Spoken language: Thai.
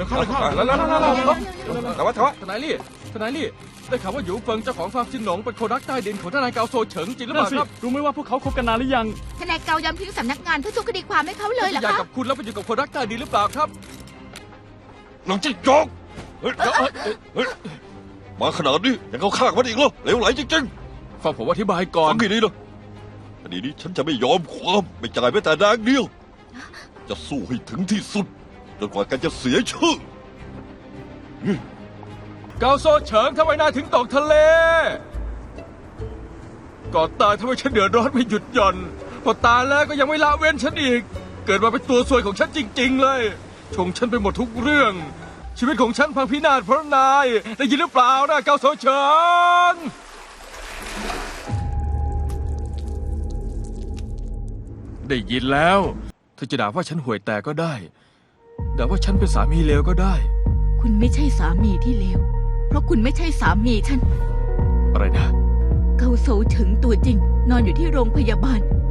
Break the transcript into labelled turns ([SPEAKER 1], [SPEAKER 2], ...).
[SPEAKER 1] เข้าเลยเข้า
[SPEAKER 2] แล้วแต่ว่า
[SPEAKER 1] ทนายลี่ได้ข่าวว่าหยูเฟิงเจ้าของฟาร์มจินหนงเป็นคนรักใต้ดินของทนายเกาโซเฉิงจริงหรือเปล่าครับ
[SPEAKER 3] รู้ไหมว่าพวกเขาคบกันนานหรือยัง
[SPEAKER 4] ทนายเกายอมทิ้งสำนักงานเพื่อสู้คดีความให้เขาเลยเหรอ
[SPEAKER 1] อยาก
[SPEAKER 4] คะ
[SPEAKER 1] กับคุณแล้วไปอยู่กับคนรักใต้ดินหรือเปล่าครับ
[SPEAKER 2] หนังจิ้งจอกมาขนาดนี้ยังเข้าข้างมันอีกเหรอเหลวไหลจริง
[SPEAKER 1] ฟังผมอธิบายก่
[SPEAKER 2] ๆ
[SPEAKER 1] อน
[SPEAKER 2] ฟังให้ดีนะคดีนี้ฉันจะไม่ยอมความไม่จ่ายแม้แต่แดงเดียว จะสู้ให้ถึงที่สุดจนกว่าแกจะเสียชื่อ
[SPEAKER 1] เกาโซเฉิงทำไมนายถึงตกทะเลก่อนตายทำไมฉันเดือดร้อนไม่หยุดหย่อนพอตายแล้วก็ยังไม่ละเว้นฉันอีก เกิดมาเป็นตัวซวยของฉันจริง ๆ เลยชงฉันไปหมดทุกเรื่อง ชีวิตของฉันพังพินาศเพราะนายได้ยินหรือเปล่านะเกาโซเฉิงได้ยินแล้วเธอจะด่าว่าฉันห่วยแตกก็ได้ด่าว่าฉันเป็นสามีเลวก็ได้
[SPEAKER 4] คุณไม่ใช่สามีที่เลวเพราะคุณไม่ใช่สามีฉัน
[SPEAKER 1] อะไรนะ
[SPEAKER 4] เกาโซถึงตัวจริง นอนอยู่ที่โรงพยาบาล